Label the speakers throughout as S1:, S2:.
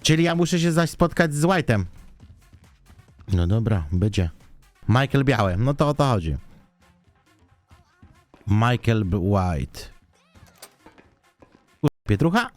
S1: Czyli ja muszę się zaś spotkać z White'em. No dobra, będzie. Michael Biały, no to o to chodzi. Michael White. Pietrucha?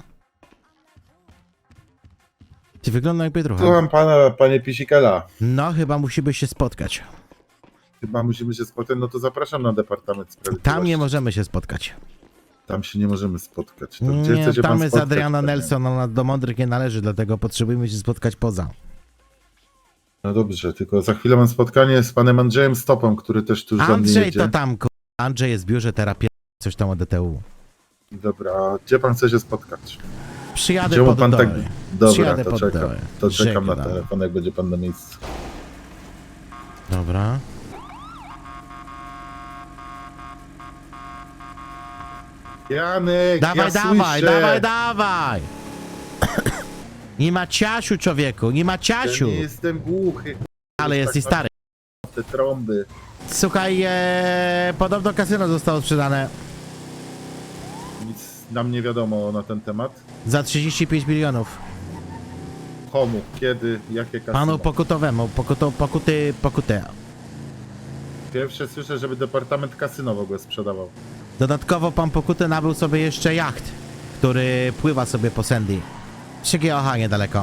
S1: Ty wygląda jak Pietrucha.
S2: Słucham pana, panie Pisikela.
S1: No, chyba musimy się spotkać.
S2: Chyba musimy się spotkać, no to zapraszam na Departament Sprawiedliwości.
S1: Tam nie możemy się spotkać.
S2: Tam się nie możemy spotkać. To gdzie
S1: Nie,
S2: chce się
S1: tam
S2: pan
S1: jest
S2: spotkać,
S1: Adriana
S2: panie?
S1: Nelson, ona do mądrych nie należy, dlatego potrzebujemy się spotkać poza.
S2: No dobrze, tylko za chwilę mam spotkanie z panem Andrzejem Stopą, który też tuż do mnie
S1: Andrzej
S2: jedzie.
S1: to tam, Andrzej jest w biurze terapii, coś tam o DTU.
S2: Dobra, a gdzie pan chce się spotkać?
S1: Przyjadę
S2: Gdzie mu
S1: pod
S2: pan
S1: doły.
S2: tak... Dobra,
S1: Przyjadę
S2: to
S1: pod
S2: czekam.
S1: doły.
S2: To czekam na
S1: Żegnam.
S2: telefon, jak będzie pan na miejscu.
S1: Dobra.
S2: Janek,
S1: Dawaj,
S2: ja
S1: dawaj,
S2: słyszę.
S1: dawaj, dawaj! Nie ma ciasiu, człowieku, nie ma
S2: Ja
S1: ciasiu.
S2: nie jestem głuchy,
S1: Ale
S2: tak
S1: jesteś stary.
S2: te trąby.
S1: Słuchaj, podobno kasyno zostało sprzedane
S2: Nic nam nie wiadomo na ten temat.
S1: za 35 milionów.
S2: Komu, kiedy, jakie kasyno.
S1: Panu pokutowemu, pokutę.
S2: Pierwsze słyszę, żeby Departament Kasyno w ogóle sprzedawał.
S1: Dodatkowo pan Pokuty nabył sobie jeszcze jacht, który pływa sobie po Sandy. Przy GOH niedaleko.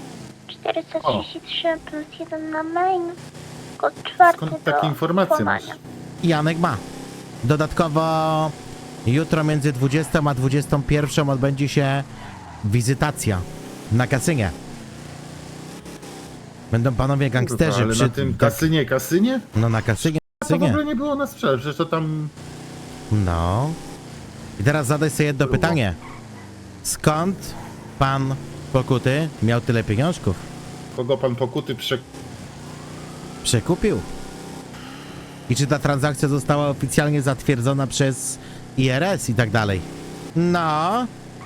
S3: 433 plus 1 na main. Kod 4
S2: Skąd takie informacje masz?
S1: Janek ma. Dodatkowo jutro między 20 a 21 odbędzie się wizytacja na kasynie. Będą panowie gangsterzy
S2: Kurwa, ale
S1: przy
S2: na tym kasynie?
S1: No na kasynie.
S2: A to w ogóle nie było na sprzedaż, przecież to tam...
S1: No. I teraz zadaj sobie jedno
S2: Było.
S1: pytanie. Skąd pan Pokuty miał tyle pieniążków?
S2: Kogo pan Pokuty
S1: Przekupił. I czy ta transakcja została oficjalnie zatwierdzona przez IRS i tak dalej? No.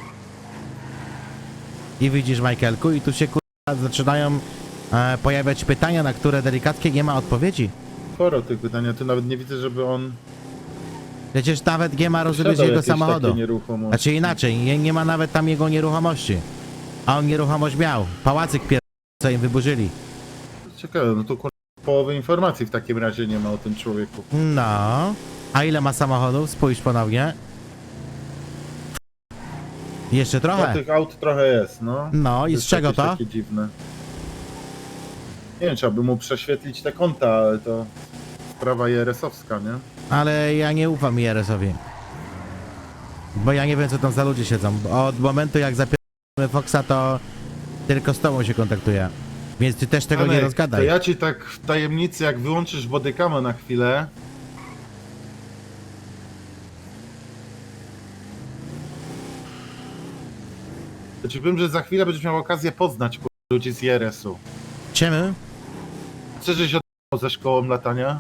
S1: I widzisz, Michaelku, i tu się zaczynają pojawiać pytania, na które delikatnie nie ma odpowiedzi.
S2: Sporo tych pytań, ja tu nawet nie widzę, żeby on...
S1: Przecież nawet nie ma, rozumiesz,
S2: posiadał
S1: jego
S2: jakieś
S1: samochodu.
S2: takie nieruchomości.
S1: Znaczy inaczej, nie ma nawet tam jego nieruchomości. A on nieruchomość miał. Pałacyk co im wyburzyli.
S2: Ciekawe, no to połowy informacji w takim razie nie ma o tym człowieku.
S1: No. A ile ma samochodów? Spójrz ponownie. Jeszcze
S2: No,
S1: trochę.
S2: tych aut trochę jest, no.
S1: No i z
S2: jest
S1: czego
S2: jakieś
S1: to?
S2: takie dziwne. Nie wiem, trzeba by mu prześwietlić te konta, ale to sprawa IRS-owska, nie?
S1: Ale ja nie ufam IRS-owi. Bo ja nie wiem, co tam za ludzie siedzą. Od momentu, jak zapieramy Foxa, to tylko z tobą się kontaktuję. Więc ty też tego nie
S2: Janek,
S1: rozgadaj.
S2: To ja ci tak w tajemnicy, jak wyłączysz bodykamę na chwilę... To ci powiem, że za chwilę będziesz miał okazję poznać ludzi z IRS-u.
S1: Czemu?
S2: Chcesz, żeś od ze szkołą latania?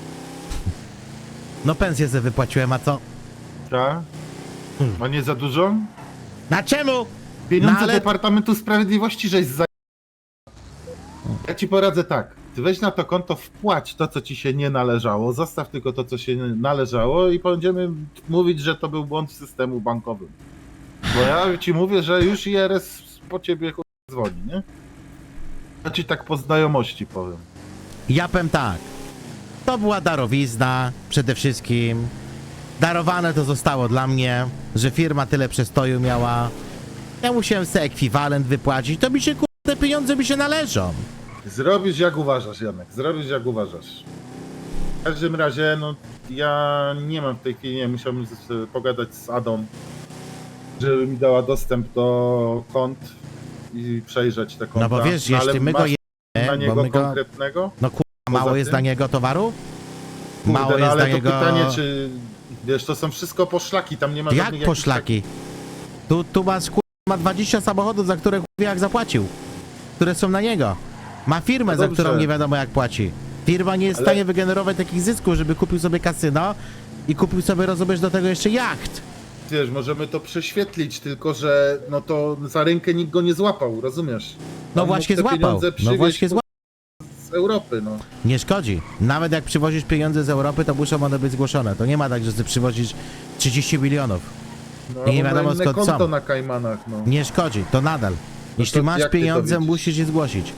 S1: No pensję sobie wypłaciłem, a co?
S2: Tak? A nie za dużo?
S1: Na czemu?
S2: Pieniądze
S1: No ale-
S2: Departamentu Sprawiedliwości żeś za... Ja ci poradzę tak. Ty weź na to konto, wpłać to, co ci się nie należało, zostaw tylko to, co się należało i będziemy mówić, że to był błąd w systemu bankowym. Bo ja ci mówię, że już IRS po ciebie dzwoni, nie? Ja ci tak po znajomości powiem.
S1: Ja powiem tak. To była darowizna przede wszystkim. Darowane to zostało dla mnie, że firma tyle przestoju miała. Ja musiałem sobie ekwiwalent wypłacić. To mi się te pieniądze mi się należą.
S2: Zrobisz jak uważasz, Janek, zrobisz jak uważasz. W każdym razie, no ja nie mam w tej chwili, nie musiałbym pogadać z Adą, żeby mi dała dostęp do kont i przejrzeć te konta.
S1: No bo wiesz,
S2: ale
S1: jeśli my go
S2: masz na
S1: jemy,
S2: niego
S1: bo my go...
S2: konkretnego?
S1: No mało
S2: poza
S1: jest
S2: tym?
S1: dla niego towaru?
S2: Kurde,
S1: Mało
S2: no,
S1: jest
S2: ale
S1: dla
S2: to
S1: niego...
S2: pytanie, czy wiesz, to są wszystko poszlaki, tam nie ma
S1: Jak
S2: żadnych jakichś
S1: poszlaki? Tu masz ma 20 samochodów, za które jak zapłacił. Które są na niego. Ma firmę,
S2: No
S1: za
S2: dobrze.
S1: którą nie wiadomo jak płaci. Firma nie jest w
S2: Ale-
S1: stanie wygenerować takich zysków, żeby kupił sobie kasyno i kupił sobie, rozumiesz, do tego jeszcze jacht.
S2: Wiesz, możemy to prześwietlić, tylko że no to za rękę nikt go nie złapał, rozumiesz?
S1: No
S2: On
S1: właśnie
S2: mógł te
S1: złapał.
S2: pieniądze
S1: No
S2: przywieźć
S1: właśnie złapał.
S2: z Europy, no.
S1: Nie szkodzi. Nawet jak przywozisz pieniądze z Europy, to muszą one być zgłoszone. To nie ma tak, że ty przywozisz 30 milionów.
S2: No,
S1: I nie
S2: albo
S1: wiadomo
S2: na inne
S1: skąd
S2: konto
S1: są.
S2: na Kajmanach, no.
S1: Nie szkodzi. To nadal. Jeśli masz
S2: jak ty to
S1: pieniądze,
S2: widzisz?
S1: musisz je zgłosić.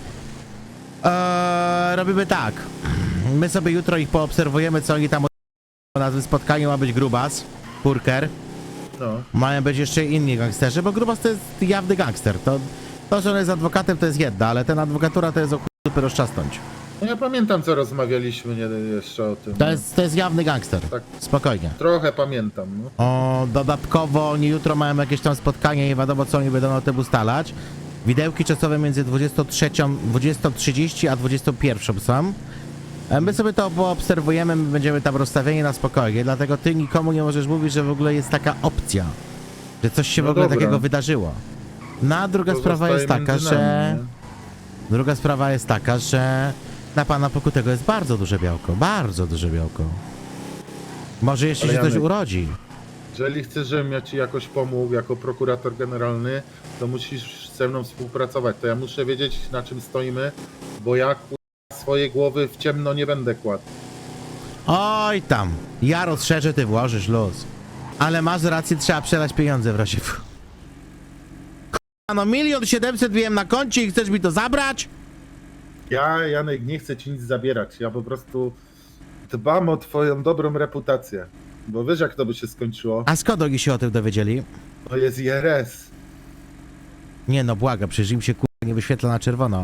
S1: Robimy tak. My sobie jutro ich poobserwujemy, co oni tam na spotkaniu ma być Grubas, Purker.
S2: No.
S1: Mają być jeszcze inni gangsterzy, bo Grubas to jest jawny gangster. To, że on jest adwokatem, to jest jedno, ale ten adwokatura to jest o chuj dupy rozczasnąć.
S2: No ja pamiętam, co rozmawialiśmy jeszcze o tym.
S1: To jest jawny gangster.
S2: Tak.
S1: Spokojnie.
S2: Trochę pamiętam, no.
S1: Dodatkowo oni jutro mają jakieś tam spotkanie i wiadomo, co oni będą o tym ustalać. Widełki czasowe między 20:30 a 21 są. My sobie to poobserwujemy, my będziemy tam rozstawieni na spokojnie, dlatego ty nikomu nie możesz mówić, że w ogóle jest taka opcja, że coś się w
S2: No
S1: ogóle
S2: dobra.
S1: takiego wydarzyło. No a druga
S2: To
S1: sprawa jest
S2: zostaje
S1: taka,
S2: między
S1: że...
S2: nami, nie?
S1: Druga sprawa jest taka, że na pana Pokutego jest bardzo duże białko, bardzo duże białko. Może jeszcze
S2: Ale
S1: się coś
S2: Janek-
S1: urodzi.
S2: Jeżeli chcesz, żebym ja ci jakoś pomógł jako prokurator generalny, to musisz ze mną współpracować. To ja muszę wiedzieć, na czym stoimy, bo ja swojej głowy w ciemno nie będę kładł.
S1: Oj tam, ja rozszerzę, ty włożysz luz. Ale masz rację, trzeba przelać pieniądze w razie... K***a, no 1 700 000 wiem na koncie i chcesz mi to zabrać?
S2: Ja, Janek, nie chcę ci nic zabierać. Ja po prostu dbam o twoją dobrą reputację. Bo wiesz, jak to by się skończyło?
S1: A skąd oni się o tym dowiedzieli?
S2: To jest IRS.
S1: Nie no, błaga, przecież im się k***a nie wyświetla na czerwono.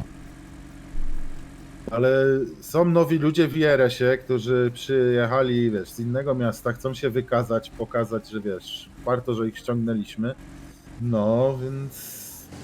S2: Ale są nowi ludzie w IRS-ie, którzy przyjechali, wiesz, z innego miasta, chcą się wykazać, pokazać, że wiesz, warto, że ich ściągnęliśmy. No, więc...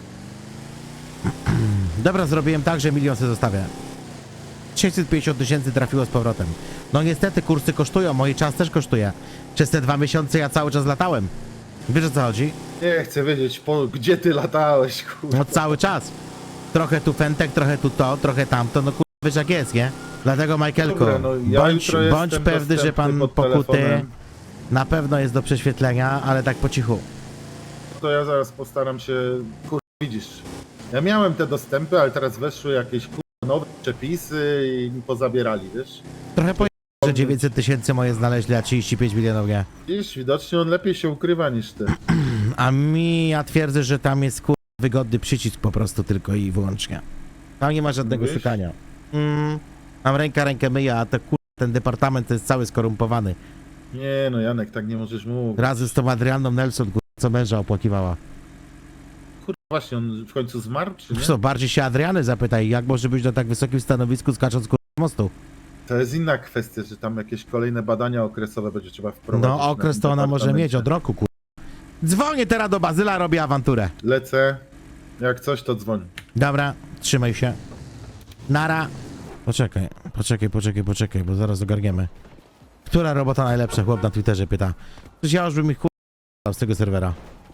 S1: Dobra, zrobiłem tak, że 1 milion sobie zostawię. 650 000 trafiło z powrotem. No niestety kursy kosztują, mój czas też kosztuje. Przez te 2 miesiące ja cały czas latałem. Wiesz o co chodzi?
S2: Nie chcę wiedzieć, gdzie ty latałeś, kurwa.
S1: No cały czas. Trochę tu fentek, trochę tu to, trochę tamto, no kurwa wiesz jak jest, nie? Dlatego Michaelku,
S2: Dobra, no, ja
S1: bądź
S2: jutro jestem
S1: pewny, że pan
S2: dostępny pod
S1: Pokuty
S2: telefonem.
S1: na pewno jest do prześwietlenia, ale tak po cichu.
S2: To ja zaraz postaram się, kurwa, widzisz. Ja miałem te dostępy, ale teraz weszły jakieś kurwa nowe przepisy i mi pozabierali, wiesz?
S1: Trochę po że 900 000 moje znaleźli, a 35 milionów nie.
S2: Widzisz, widocznie on lepiej się ukrywa niż ty.
S1: A ja twierdzę, że tam jest kurwa wygodny przycisk po prostu tylko i wyłącznie. Tam nie ma żadnego
S2: Mówisz?
S1: szukania. Mam rękę myję, a to kurwa ten departament to jest cały skorumpowany.
S2: Nie no, Janek, tak nie możesz mówić.
S1: Razem z tą Adrianną Nelson, kurwa, co męża opłakiwała.
S2: Kurwa, właśnie, on w końcu zmarł, czy nie?
S1: Co, bardziej się Adriany zapytaj, jak może być na tak wysokim stanowisku skacząc kurwa z mostu?
S2: To jest inna kwestia, że tam jakieś kolejne badania okresowe będzie trzeba wprowadzić.
S1: No okres to ona może mieć od roku, kurwa. Dzwonię teraz do Bazyla, robię awanturę.
S2: Lecę, jak coś to dzwoń.
S1: Dobra, trzymaj się. Nara. Poczekaj, bo zaraz ogarniemy. Która robota najlepsza, chłop na Twitterze pyta. Przecież ja już bym ich kurwa z tego serwera.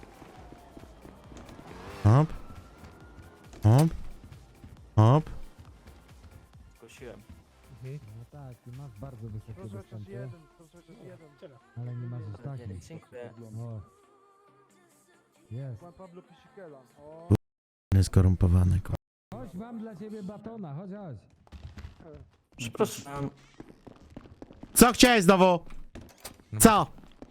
S1: Hop. Hop. Hop.
S4: Zgłosiłem.
S5: No tak, ty masz bardzo wysokie dostępy, ale nie masz aż takich.
S4: Dziękuję.
S5: O. Jest.
S1: Skorumpowany, kurwa.
S5: Chodź, mam dla ciebie batona, chodź, chodź.
S4: Przepraszam.
S1: Co chciałeś znowu? Co?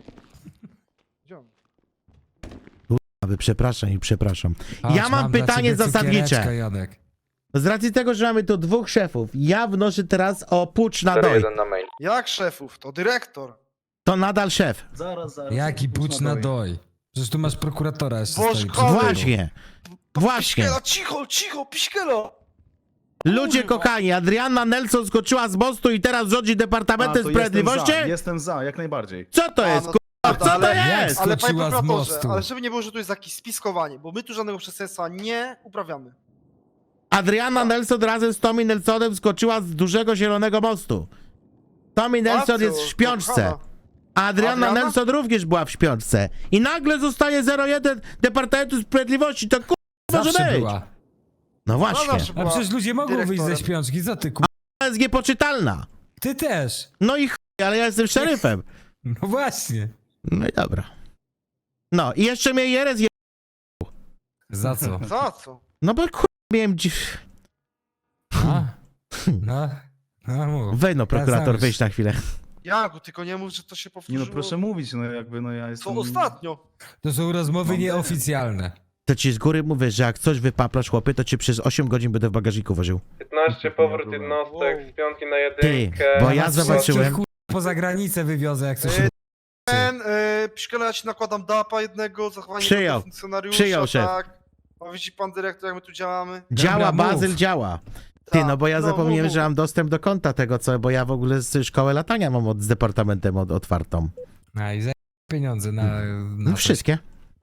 S1: Aby przepraszam. Ja mam pytanie zasadnicze.
S6: Janek.
S1: Z racji tego, że mamy tu 2 szefów, ja wnoszę teraz o pucz na doj.
S7: Jak szefów? To dyrektor.
S1: To nadal szef.
S4: Zaraz.
S6: Jaki pucz na doj? Przecież tu masz prokuratora jeszcze
S7: Boż
S6: stoi przed
S7: kochany.
S6: tobą.
S1: Właśnie. Właśnie.
S7: Piśkiela, cicho, piśkielo!
S1: Ludzie
S7: Kurwa.
S1: kochani, Adrianna Nelson skoczyła z mostu i teraz rządzi Departamentem Sprawiedliwości?
S8: Jestem za, jak najbardziej.
S1: Co to jest,
S7: no
S1: kurwa? Co to
S7: ale-
S1: jest?
S7: Ale panie
S6: Skoczyła z
S7: prokuratorze,
S6: mostu.
S7: ale żeby nie było, że tu jest jakieś spiskowanie, bo my tu żadnego przestępstwa nie uprawiamy.
S1: Adrianna Nelson razem z Tommy Nelsonem skoczyła z dużego zielonego mostu. Tommy Nelson
S7: Babciu,
S1: jest w śpiączce.
S7: kochana.
S1: A Adrianna
S7: Adriana?
S1: Nelson również była w śpiączce. I nagle zostaje 01 Departamentu Sprawiedliwości. To kurwa może
S6: Zawsze
S1: być.
S6: była.
S1: No właśnie.
S7: zawsze
S6: A
S7: była
S6: przecież ludzie mogą wyjść ze
S7: dyrektorem.
S6: śpiączki, co ty ku...
S1: Ona jest niepoczytalna.
S6: Ty też.
S1: No i chuj, ale ja jestem szeryfem.
S6: No właśnie.
S1: No i dobra. No i jeszcze mnie Jerez je...
S6: Za co?
S7: Za co?
S1: No bo kurwa miałem dziw...
S6: A? No. No mów.
S1: Wej no prokurator,
S6: Zaraz.
S1: wyjść na chwilę.
S7: Jagu, tylko nie mów, że to się
S8: Nie
S7: powtórzyło.
S8: no proszę mówić, no jakby no ja jestem...
S7: Co ostatnio?
S6: To są rozmowy
S8: Mam
S6: nieoficjalne.
S1: To ci z góry mówię, że jak coś wypaplasz, chłopie, to ci przez 8 godzin będę w bagażniku woził.
S8: 15 powrót jednostek z piątki na
S1: Ty,
S8: jedynkę.
S1: bo ja
S6: Was
S1: zobaczyłem...
S6: wszystkich, kurwa, poza granicę wywiozę, jak coś...
S7: Piszkela, ja ci nakładam DAPA jednego, zachowanie
S1: Przyjął.
S7: funkcjonariusza,
S1: Przyjął, szef.
S7: tak. A widzi pan dyrektor, jak my tu działamy?
S1: Działa,
S6: Dobra,
S1: Bazyl
S6: mów.
S1: działa. Ty,
S7: Tak,
S1: no bo ja zapomniałem,
S7: mów.
S1: że mam dostęp do konta tego, co... Bo ja w ogóle szkołę latania mam z departamentem otwartą.
S6: A i za pieniądze na
S1: No
S6: coś.
S1: wszystkie.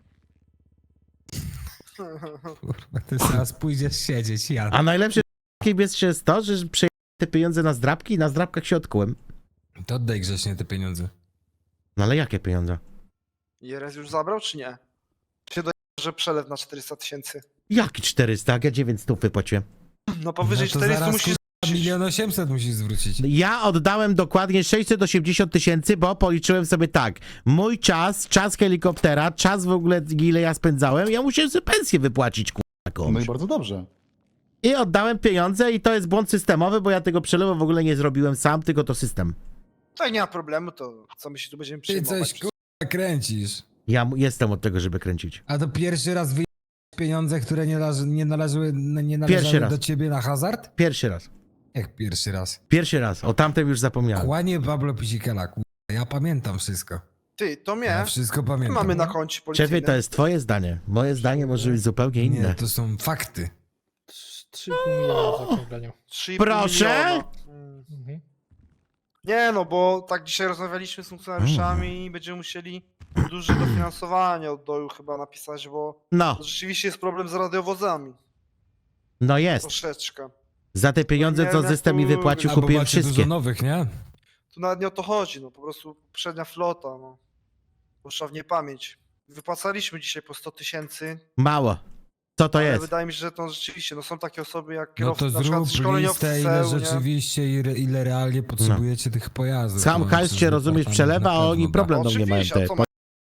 S6: Kurwa, ty zaraz pójdziesz siedzieć, ja.
S1: A najlepsze jest to, że przejęłem te pieniądze na zdrabki i na zdrabkach się odkułem.
S6: To oddaj grzecznie te pieniądze.
S1: No ale jakie pieniądze?
S7: IRS już zabrał, czy nie? Czy do że przelew na 400 000?
S1: Jaki 400? Jak ja 900 wypłaciłem.
S7: No powyżej
S6: No to
S7: 400
S6: zaraz,
S7: musisz...
S6: kurwa, 1 800 000 musisz zwrócić.
S1: Ja oddałem dokładnie 680 000, bo policzyłem sobie tak. Mój czas helikoptera, czas w ogóle ile ja spędzałem, ja musiałem sobie pensję wypłacić,
S9: No
S1: komuś.
S9: i bardzo dobrze.
S1: I oddałem pieniądze i to jest błąd systemowy, bo ja tego przelewu w ogóle nie zrobiłem sam, tylko to system.
S7: To nie ma problemu, to co my się tu będziemy
S6: Ty
S7: przejmować?
S6: coś, kurwa, kręcisz.
S1: Ja jestem od tego, żeby kręcić.
S6: A to pierwszy raz wyjąłeś pieniądze, które nie należały
S1: Pierwszy raz.
S6: do ciebie na hazard?
S1: Pierwszy raz.
S6: Jak pierwszy raz?
S1: Pierwszy raz. O tamtym już zapomniałem.
S6: Kłanie Pablo Pisikela, kurwa. Ja pamiętam wszystko.
S7: Ty, to mnie.
S6: Ja wszystko
S7: My
S6: pamiętam.
S7: mamy na koncie policyjnym.
S1: Szefie, to jest twoje zdanie. Moje zdanie może być zupełnie inne.
S6: Nie, to są fakty.
S5: 3,5 miliona zaokrąglenia.
S7: 3,5
S1: Proszę?
S7: miliona. Nie no, bo tak dzisiaj rozmawialiśmy z funkcjonariuszami i będziemy musieli duże dofinansowanie od doju chyba napisać, bo
S1: No,
S7: rzeczywiście jest problem z radiowozami.
S1: no jest.
S7: Troszeczkę.
S1: Za te pieniądze,
S7: Nie
S1: co
S7: wiem, jak
S1: system mi
S7: tu-
S1: wypłacił,
S6: Albo
S1: kupiłem
S6: macie
S1: wszystkie.
S6: dużo nowych, nie?
S7: Tu nawet nie o to chodzi, no po prostu poprzednia flota, no. Poszła w niepamięć. Wypłacaliśmy dzisiaj po 100 000,
S1: Mało. Co to
S7: ale
S1: jest?
S7: wydaje mi się, że to rzeczywiście, no są takie osoby jak
S6: No
S7: kierowcy,
S6: to
S7: na przykład
S6: zrób
S7: szkoleniowcy
S6: listę,
S7: z
S6: ile
S7: CEU, nie?
S6: rzeczywiście, ile realnie potrzebujecie tych pojazdów.
S1: Sam
S6: No,
S1: hajs
S6: przecież
S1: się, rozumiesz,
S6: departament
S1: przelewa,
S6: na
S1: a oni
S6: pewno
S1: problem do mnie mają.
S7: Oczywiście, a co ma-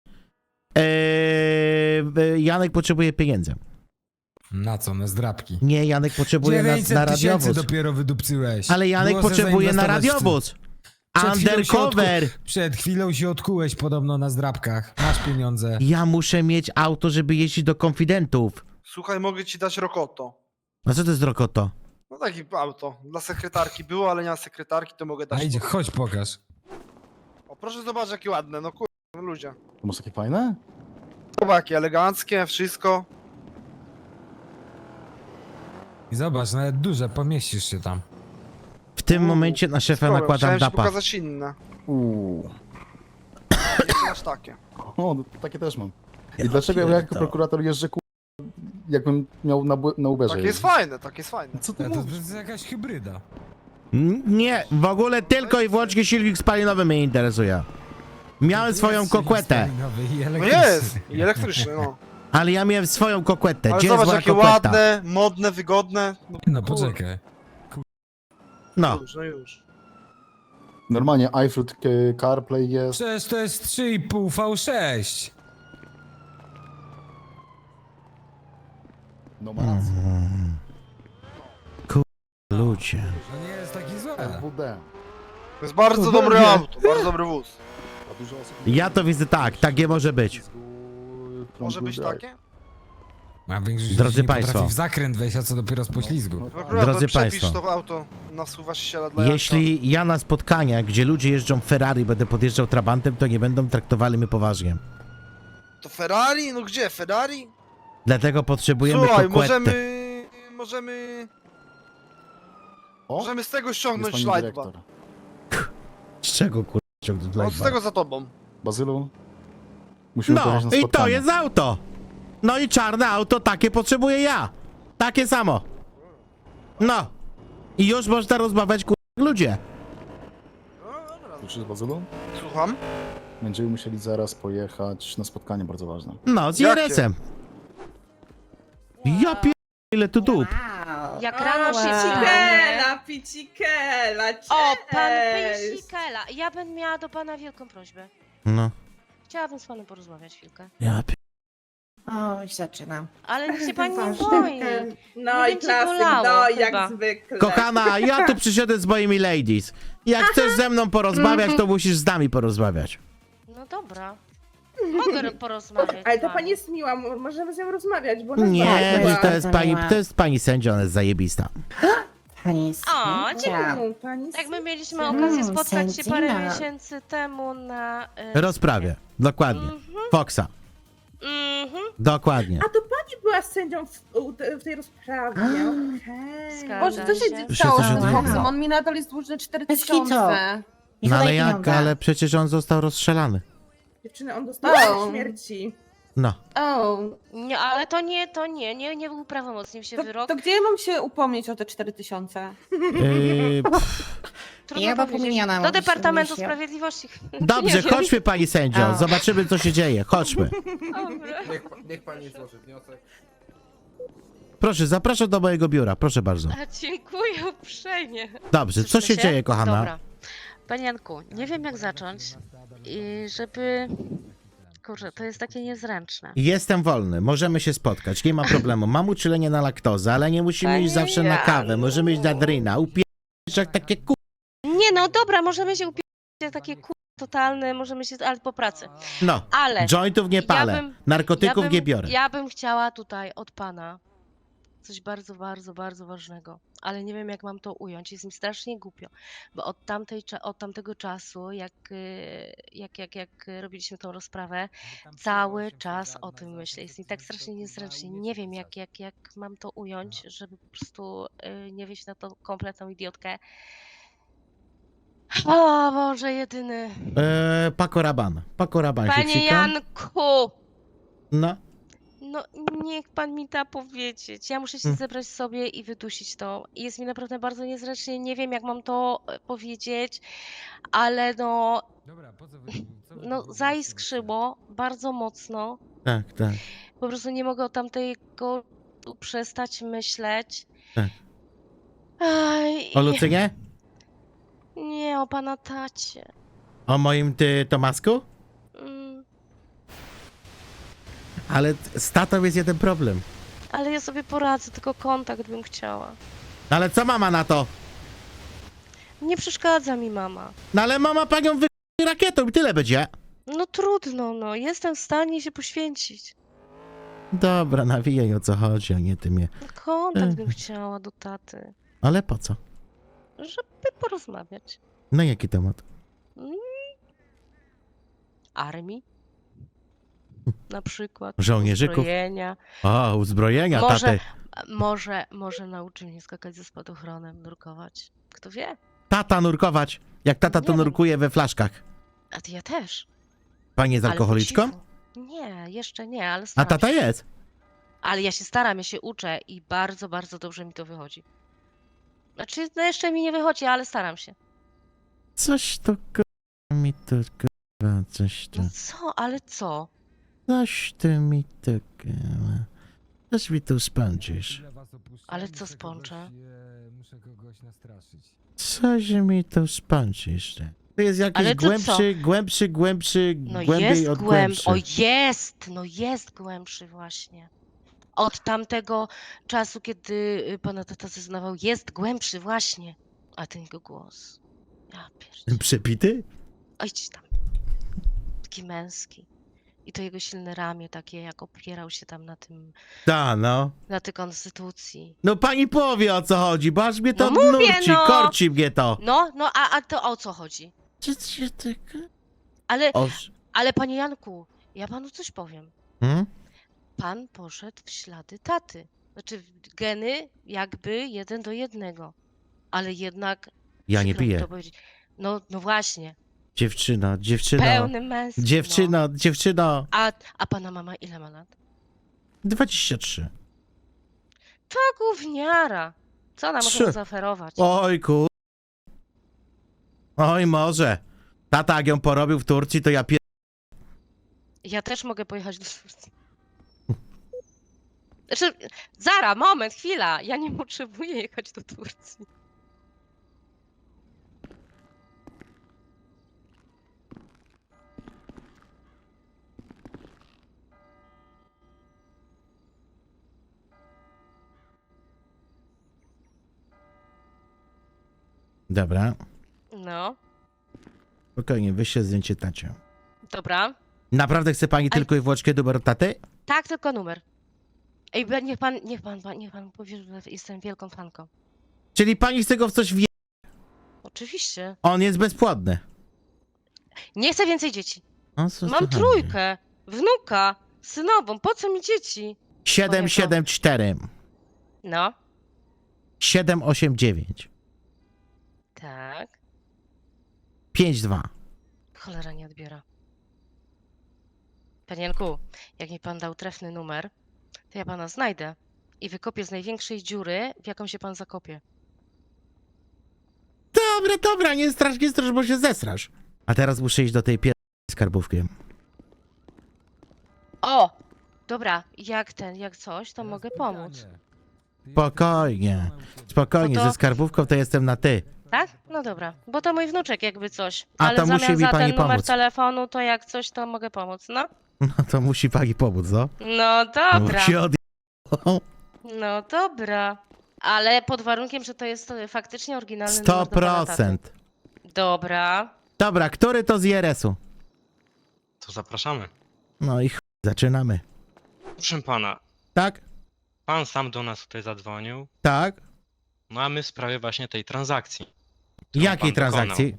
S1: Janek potrzebuje pieniędzy.
S6: Na co? Na zdrabki.
S1: Nie, Janek potrzebuje na
S6: 900 000
S1: radiowóz.
S6: dopiero wydupcyłeś.
S1: Ale Janek
S6: Było se
S1: potrzebuje na
S6: zainwestować w
S1: radiowóz.
S6: Przed chwilą się
S1: Undercover.
S6: Przed chwilą się odkułeś podobno na zdrabkach. Masz pieniądze.
S1: Ja muszę mieć auto, żeby jeździć do konfidentów.
S7: Słuchaj, mogę ci dać Rokoto.
S1: A co to jest Rokoto?
S7: No takie auto. Dla sekretarki było, ale nie ma sekretarki, to mogę
S6: A
S7: dać.
S6: idzie, chodź pokaż.
S7: O, proszę zobaczyć, jakie ładne, no kur... no ludzie.
S9: To masz takie fajne?
S7: Zobacz, jakie eleganckie, wszystko.
S6: I zobacz, nawet duże, pomieścisz się tam.
S1: W tym momencie na szefa
S7: Sporo.
S1: nakładam
S7: Chciałem ci
S1: dapa.
S7: pokazać inne. Nie masz takie.
S9: O, no, takie też mam. I dlaczego ja jako
S1: pierdolę.
S9: prokurator jeżdżę jakbym miał na Uberze
S7: Takie jest fajne, takie jest fajne.
S9: Co ty
S6: A to
S9: mówisz?
S6: jest jakaś hybryda.
S1: Nie, w ogóle tylko i wyłącznie silnik spalinowy mnie interesuje. Miałem swoją
S6: Jest
S1: kokłetę,
S6: spalinowy i
S7: No
S6: elektryczny.
S7: jest! I elektryczny, no.
S1: ale ja miałem swoją kokłetę.
S7: Ale
S1: Gdzie jest
S7: zobacz,
S1: moja
S7: jakie
S1: kokweta?
S7: ładne, modne, wygodne. No,
S6: No poczekaj.
S1: No,
S7: już, no już.
S9: Normalnie iFruit CarPlay jest.
S6: Przecież to jest 3,5 V6.
S9: No ma rację.
S1: ludzie.
S6: To nie jest taki złe.
S9: LWD.
S7: To jest bardzo dobre auto, bardzo dobry wóz.
S9: A dużo osób...
S1: Ja to widzę tak, takie może być.
S7: Może być takie?
S6: A większość
S1: Drodzy
S6: ludzi nie
S1: państwo.
S6: potrafi w zakręt wejść, a co dopiero z poślizgu.
S7: Prokurator,
S1: Drodzy
S7: przepisz
S1: państwo.
S7: to auto na wsuwa ściela dla Janka.
S1: Jeśli ja na spotkaniach, gdzie ludzie jeżdżą Ferrari, będę podjeżdżał Trabantem, to nie będą traktowali mnie poważnie.
S7: To Ferrari? No gdzie? Ferrari?
S1: Dlatego potrzebujemy
S7: Słuchaj,
S1: kokłetę.
S7: możemy
S9: O,
S7: z tego
S9: jest
S7: ściągnąć
S9: pani
S7: slajdba.
S9: dyrektor.
S1: Z czego kurwa ciągnąć
S7: No z
S1: live'a?
S7: tego za tobą.
S9: Bazylu, musimy
S1: No
S9: pojechać na
S1: i
S9: spotkanie.
S1: to jest auto. No i czarne auto, takie potrzebuję ja. Takie samo. No. I już można rozmawiać kurwa ludzie.
S7: No dobra.
S9: Słyszysz, Bazylu?
S7: Słucham?
S9: Będziemy musieli zaraz pojechać na spotkanie bardzo ważne.
S1: No, z
S7: Jakie?
S1: IRS-em. Ja pier... ile tu dup.
S3: Jak rano się
S10: Picikela,
S3: O, pan Pysikela. Ja bym miała do pana wielką prośbę.
S1: No.
S3: Chciałabym z panem porozmawiać chwilkę.
S1: Ja pier...
S10: Oj, zaczynam.
S3: Ale niech się pani nie boi.
S10: No
S3: Nie
S10: i
S3: będzie
S10: klasyk,
S3: bolało
S10: no
S3: chyba.
S10: jak zwykle.
S1: Kochana, ja tu przyszedłem z moimi ladies. Jak chcesz ze mną porozmawiać, to musisz z nami porozmawiać.
S3: No dobra. Mogę porozmawiać.
S10: Ale
S3: z
S10: ta
S3: wami.
S10: pani jest miła, możemy z nią rozmawiać, bo ona
S1: Nie,
S10: jest
S1: że
S10: miła.
S1: to jest pani sędzia, ona jest zajebista.
S10: Pani
S3: O,
S10: sędzia. Pani
S3: Tak, my mieliśmy
S10: Mm,
S3: okazję spotkać się parę
S10: sędzina.
S3: miesięcy temu na...
S1: Rozprawie, dokładnie. Foxa, dokładnie.
S10: A to pani była sędzią w tej rozprawie. Okej.
S3: Zgadza
S11: Boże, co się
S1: Wszyscy
S11: stało z
S1: się
S11: tym
S1: dowiedzieli.
S11: Foxem? On mi nadal jest dłużny
S10: Bez
S11: 4000.
S1: No ale jak, ale przecież on został rozstrzelany.
S10: Dziewczyny, on dostał śmierci.
S1: No.
S11: O,
S3: Nie, ale nie był prawomocny się wyrok.
S11: to gdzie ja mam się upomnieć o te 4000?
S3: Trudno
S10: Ja chyba
S3: powiedzieć.
S10: pominiona,
S3: Do
S10: bo
S3: Departamentu
S10: się-
S3: Sprawiedliwości.
S1: Dobrze,
S3: Nie wiem.
S1: chodźmy pani sędzio,
S10: O.
S1: zobaczymy co się dzieje, chodźmy.
S3: Dobra.
S8: Niech pani złoży wniosek.
S1: Proszę, zapraszam do mojego biura, proszę bardzo.
S3: A, dziękuję uprzejmie.
S1: Dobrze, co
S3: Słyszymy
S1: się dzieje, kochana?
S3: Dobra. Panie Janku, nie wiem jak zacząć i żeby... Kurczę, to jest takie niezręczne.
S1: Jestem wolny, możemy się spotkać, nie ma problemu. Mam uczulenie na laktozę, ale nie musimy iść zawsze na kawę, możemy iść na drina, upierać jak takie
S3: Nie no, dobra, możemy się upierać takie totalne, możemy się, ale po pracy.
S1: No,
S3: Ale
S1: jointów nie palę,
S3: ja bym-
S1: narkotyków nie biorę.
S3: Ja bym chciała tutaj od pana coś bardzo, bardzo, bardzo ważnego, ale nie wiem jak mam to ująć. Jest mi strasznie głupio, bo od tamtego czasu, jak robiliśmy tą rozprawę, cały czas o tym myślę. Jest mi tak strasznie niezręcznie. Nie wiem jak mam to ująć, żeby po prostu nie wyjść na tą kompletną idiotkę. O Boże, jedyny.
S1: Paco Rabanne się
S3: Panie
S1: psika.
S3: Janku!
S1: No,
S3: No, niech pan mi da powiedzieć. Ja muszę się
S1: Mm.
S3: zebrać sobie i wydusić to. I jest mi naprawdę bardzo niezręcznie. Nie wiem, jak mam to powiedzieć, ale no,
S6: Dobra, po co
S3: no zaiskrzyło bardzo mocno.
S1: tak.
S3: Po prostu nie mogę o tamtego przestać myśleć.
S1: Tak.
S3: Aj,
S1: O Lucynie?
S3: nie, o pana tacie.
S1: O moim Tomasku?
S3: Mm,
S1: Ale z tatą jest jeden problem.
S3: ale ja sobie poradzę, tylko kontakt bym chciała.
S1: No ale co mama na to?
S3: Nie przeszkadza mi mama.
S1: No ale mama panią wy... rakietą i tyle będzie.
S3: No trudno, no. Jestem w stanie się poświęcić.
S1: Dobra, nawijaj o co chodzi, a nie ty mnie.
S3: Kontakt bym chciała do taty,
S1: Ale po co?
S3: żeby porozmawiać.
S1: Na jaki temat?
S3: Armii? Na przykład.
S1: Żołnierzyków?
S3: Uzbrojenia.
S1: O, uzbrojenia,
S3: Może-
S1: taty.
S3: Może nauczy mnie skakać ze spadochronem, nurkować. Kto wie?
S1: Tata nurkować. Jak tata to
S3: Nie wiem.
S1: nurkuje we flaszkach.
S3: A ty ja też.
S1: Pani jest
S3: Ale po
S1: alkoholiczką?
S3: cichu. Nie, jeszcze nie, ale
S1: A
S3: staram
S1: tata
S3: się.
S1: jest.
S3: Ale ja się staram, ja się uczę i bardzo, bardzo dobrze mi to wychodzi. Znaczy, no jeszcze mi nie wychodzi, ale staram się.
S1: Coś to mi to coś to.
S3: No co, ale co?
S1: Coś ty mi to coś mi tu spędzisz.
S3: Ale co spączę?
S6: Muszę kogoś nastraszyć.
S1: Coś mi tu spędzisz. To jest jakiś
S3: Ale to co?
S1: głębszy,
S3: No
S1: głębiej
S3: jest
S1: od
S3: głębszy.
S1: głębszy.
S3: O jest! No jest głębszy właśnie. Od tamtego czasu, kiedy pana tata zeznawał, jest głębszy właśnie. A ten jego głos. Ja pierdolę.
S1: Przepity?
S3: Ojdź tam. Taki męski. I to jego silne ramię takie, jak opierał się tam na tym,
S1: Ta, no.
S3: na tej konstytucji.
S1: No pani powie o co chodzi, bo aż mnie to
S3: No mówię,
S1: nurci,
S3: no.
S1: korci mnie to.
S3: No, a to o co chodzi?
S1: Co się tak...
S3: Ale,
S1: Oż...
S3: ale panie Janku, ja panu coś powiem.
S1: Hmm?
S3: Pan poszedł w ślady taty. Znaczy geny jakby 1:1. Ale jednak.
S1: Ja nie
S3: przykro mi
S1: piję.
S3: to powiedzieć. No właśnie.
S1: Dziewczyno.
S3: Pełny męski. No.
S1: Dziewczyno.
S3: A pana mama ile ma lat?
S1: 23.
S3: To gówniara. Co ona może
S1: Trzy.
S3: mu zaoferować?
S1: Oj kur... Oj może. Tata jak ją porobił w Turcji, to ja
S3: Ja też mogę pojechać do Turcji. Znaczy, Zara, moment, chwila. Ja nie potrzebuję jechać do Turcji.
S1: Dobra.
S3: No,
S1: Spokojnie, wyślę zdjęcie tacie.
S3: dobra.
S1: Naprawdę chce pani
S3: Ale-
S1: tylko i wyłącznie numer od taty?
S3: Tak, tylko numer. Ej, niech pan powie, że jestem wielką fanką.
S1: Czyli pani chce go w coś wie...
S3: Oczywiście.
S1: On jest bezpłodny.
S3: Nie chcę więcej dzieci.
S1: O, co
S3: Mam
S1: ty
S3: trójkę, wnuka, synową, po co mi dzieci?
S1: 774
S3: No,
S1: 789
S3: tak.
S1: 52.
S3: Cholera nie odbiera. Panienku, jak mi pan dał trefny numer, to ja pana znajdę i wykopię z największej dziury, w jaką się pan zakopie.
S1: Dobra, nie strasz, bo się zesrasz. A teraz muszę iść do tej skarbówki.
S3: O! Dobra, jak coś, to mogę pomóc.
S1: Spokojnie,
S3: No to-
S1: ze skarbówką to jestem na ty.
S3: Tak? No dobra, bo to mój wnuczek jakby coś.
S1: A
S3: Ale
S1: to musi
S3: zamiast
S1: mi
S3: za
S1: pani
S3: ten numer
S1: pomóc.
S3: telefonu, to jak coś, to mogę pomóc, no?
S1: No to musi pani pomóc, no.
S3: No dobra,
S1: Musi
S3: no dobra. Ale pod warunkiem, że to jest faktycznie oryginalny numer do pana taty.
S1: 100%.
S3: Dobra.
S1: Dobra, który to z IRS-u?
S4: To zapraszamy.
S1: No i zaczynamy.
S4: Proszę pana,
S1: Tak?
S4: pan sam do nas tutaj zadzwonił,
S1: Tak?
S4: no a my w sprawie właśnie tej transakcji. którą
S1: Jakiej
S4: pan dokonał.
S1: transakcji?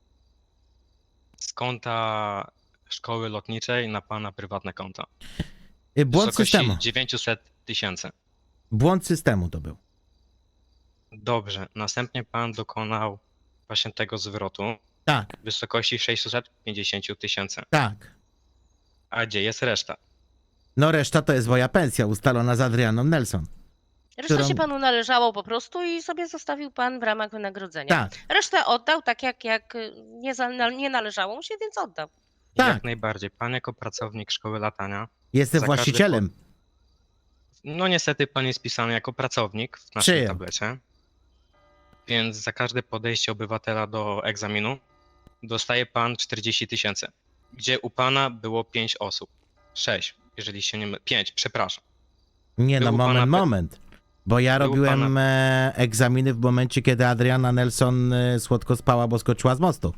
S4: Z konta szkoły lotniczej na pana prywatne konto.
S1: Błąd
S4: Wysokości
S1: systemu.
S4: 900 000.
S1: Błąd systemu to był.
S4: Dobrze, następnie pan dokonał właśnie tego zwrotu
S1: Tak,
S4: w wysokości 650 000.
S1: tak.
S4: A gdzie jest reszta?
S1: No reszta to jest moja pensja ustalona z Adrianą Nelson.
S3: Reszta
S1: Którą-
S3: się panu należało po prostu i sobie zostawił pan w ramach wynagrodzenia.
S1: Tak,
S3: Resztę oddał tak jak nie należało mu się, więc oddał.
S1: Tak.
S4: Jak najbardziej. Pan jako pracownik szkoły latania,
S1: jestem
S4: Za każdy
S1: właścicielem.
S4: no niestety pan jest pisany jako pracownik w naszym
S1: Czyjem?
S4: tablecie. Więc za każde podejście obywatela do egzaminu dostaje pan 40 000. Gdzie u pana było 5 osób. 6, jeżeli się nie mylę. 5, przepraszam.
S1: Nie no,
S4: Był pana
S1: moment. Bo ja
S4: Był
S1: robiłem egzaminy w momencie, kiedy Adriana Nelson słodko spała, bo skoczyła z mostu.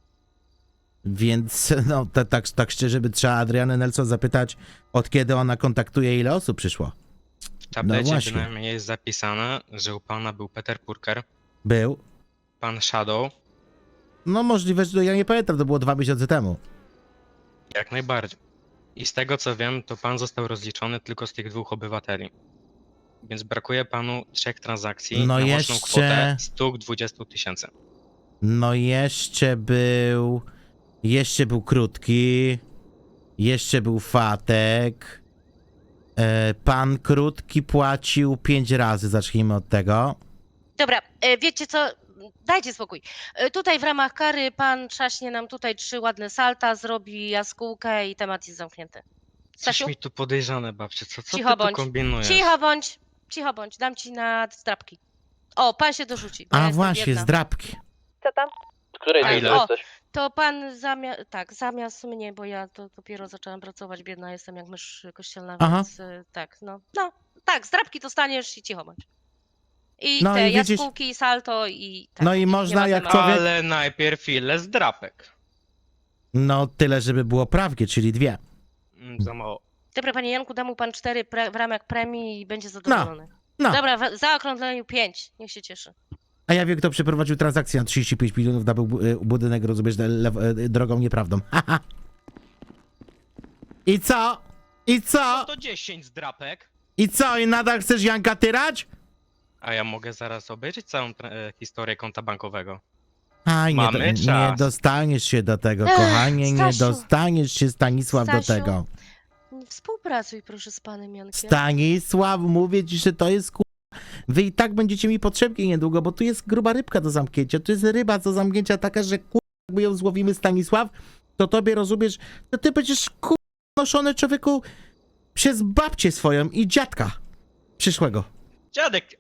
S1: Więc no tak szczerze by trzeba Adrianę Nelson zapytać, od kiedy ona kontaktuje, ile osób przyszło.
S4: W tablecie
S1: właśnie.
S4: bynajmniej jest zapisane, że u pana był Peter Purker,
S1: Był.
S4: pan Shadow,
S1: No możliwe, że ja nie pamiętam, to było 2 miesiące temu.
S4: jak najbardziej. I z tego co wiem, to pan został rozliczony tylko z tych 2 obywateli. Więc brakuje panu 3 transakcji
S1: No
S4: na łączną
S1: jeszcze-
S4: kwotę 120 000.
S1: No jeszcze był Krótki, jeszcze był Fatek. Pan Krótki płacił 5 razy, zacznijmy od tego.
S3: Dobra, wiecie co? Dajcie spokój. Tutaj w ramach kary pan trzaśnie nam tutaj 3 ładne salta, zrobi jaskółkę i temat jest zamknięty.
S4: Coś
S3: Stasiu,
S4: mi tu podejrzane, babcie, co
S3: Cicho
S4: ty
S3: bądź.
S4: tu kombinujesz?
S3: cicho bądź, dam ci na zdrabki. O, pan się dorzuci. bo ja
S1: A
S3: jestem
S1: właśnie,
S3: biedna.
S1: zdrabki.
S10: Co tam?
S4: Której
S3: A,
S4: ile
S3: o,
S4: jesteś?
S3: To pan zamiast mnie, bo ja to dopiero zaczęłam pracować, biedna jestem jak mysz kościelna,
S1: Aha.
S3: więc tak, tak, zdrabki dostaniesz i cicho bądź. I
S1: No
S3: te
S1: i widzisz-
S3: jaskółki i salto i tak.
S1: No i
S3: nie
S1: można
S3: ma
S1: jak
S3: tematu.
S1: człowiek-
S4: Ale najpierw ile zdrapek.
S1: No tyle, żeby było prawdzie, czyli 2.
S4: Za mało.
S3: Dobra, panie Janku, dam mu pan 4 w ramach premii i będzie zadowolony.
S1: No.
S3: Dobra, w zaokrągleniu 5, niech się cieszy.
S1: A ja wiem, kto przeprowadził transakcję na 35 milionów na budynek, rozumiesz, drogą nieprawdą. Haha. I co? I co?
S4: To 10 zdrapek.
S1: I co? I nadal chcesz Janka tyrać?
S4: A ja mogę zaraz obejrzeć całą historię konta bankowego.
S1: Aj,
S4: Mamy
S1: nie
S4: czas.
S1: dostaniesz się do tego,
S3: Ech,
S1: kochanie, nie
S3: Stasiu.
S1: dostaniesz się, Stanisław, do
S3: Stasiu.
S1: tego.
S3: Współpracuj proszę z panem Jankiem.
S1: Stanisław, mówię ci, że to jest Wy i tak będziecie mi potrzebni niedługo, bo tu jest gruba rybka do zamknięcia. Tu jest ryba do zamknięcia taka, że jakby ją złowimy, Stanisław, to tobie rozumiesz, to ty będziesz noszony, człowieku, przez babcię swoją i dziadka przyszłego.
S4: Dziadek!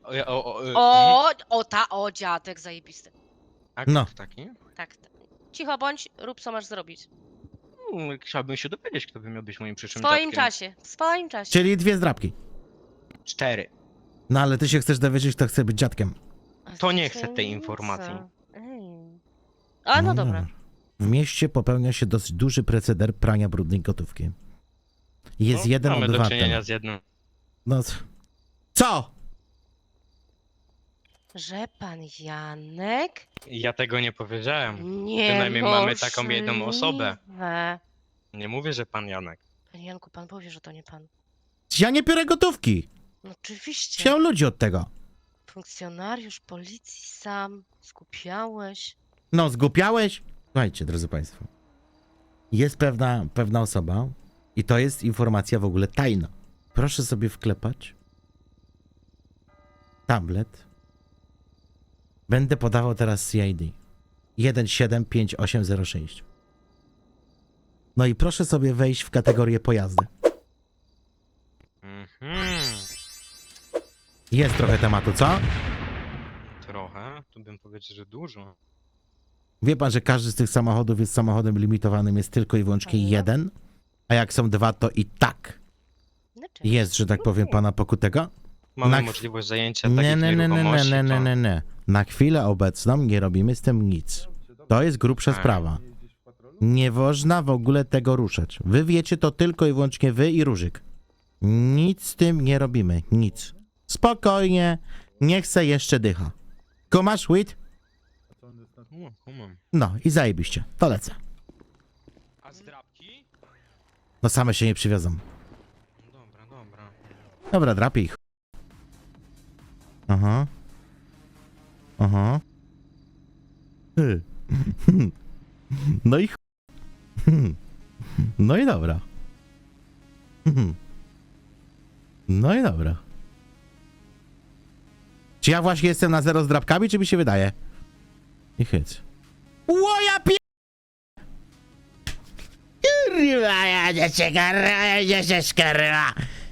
S3: Dziadek zajebisty.
S4: A
S1: No.
S4: kto taki?
S3: Tak. Cicho bądź, rób co masz zrobić.
S4: Chciałbym się dowiedzieć, kto by miał być moim
S3: W
S4: przyszłym
S3: swoim
S4: dziadkiem.
S3: czasie, w swoim czasie.
S1: Czyli 2 zdrabki.
S4: 4.
S1: No ale ty się chcesz dowiedzieć, kto chce być dziadkiem.
S3: A
S4: To nie
S3: to
S4: chcę tej
S3: tajemnica.
S4: informacji.
S3: Ej. A no dobra.
S1: W mieście popełnia się dosyć duży proceder prania brudnej gotówki. Jest
S4: No,
S1: jeden
S4: mamy do
S1: obywatel.
S4: czynienia z jednym.
S1: No co?
S3: Że pan Janek?
S4: Ja tego nie powiedziałem.
S3: Nie
S4: Przynajmniej mamy taką jedną osobę.
S3: możliwe.
S4: Nie mówię, że pan Janek.
S3: Panie Janku, pan powie, że to nie pan.
S1: Ja nie biorę gotówki.
S3: No oczywiście.
S1: Chciał ludzi od tego.
S3: Funkcjonariusz policji sam. Skupiałeś.
S1: No, zgłupiałeś? Słuchajcie, drodzy Państwo. Jest pewna osoba i to jest informacja w ogóle tajna. Proszę sobie wklepać tablet. Będę podawał teraz CID 175806. No i proszę sobie wejść w kategorię pojazdy.
S4: Mhm.
S1: Jest trochę tematu, co?
S4: Trochę, tu bym powiedział, że dużo.
S1: Wie pan, że każdy z tych samochodów jest samochodem limitowanym, jest tylko i wyłącznie jeden? A jak są dwa, to i tak
S3: Znaczy,
S1: jest, że tak powiem, pana pokutego?
S4: Mamy
S1: Na-
S4: możliwość zajęcia
S1: Nie,
S4: takich
S1: nie, nie, nie,
S4: nieruchomości.
S1: nie, nie,
S4: to-
S1: nie, nie. Na chwilę obecną nie robimy z tym nic. To jest grubsza
S4: Tak.
S1: sprawa. Nie można w ogóle tego ruszać. Wy wiecie to tylko i wyłącznie wy i Różyk. Nic z tym nie robimy. Nic. Spokojnie. Niech se jeszcze dycha. Kumasz, Wit?
S4: Kumam.
S1: No i zajebiście. To lecę.
S4: A zdrabki?
S1: No same się nie przywiozą.
S4: Dobra, dobra.
S1: Dobra, drapie ich. Aha. Aha. Hy. No i no i dobra. No i dobra. Czy ja właśnie jestem na zero z drapkami, czy mi się wydaje? I hyc. Łoja pie... Kurwa, ja cię kurwa.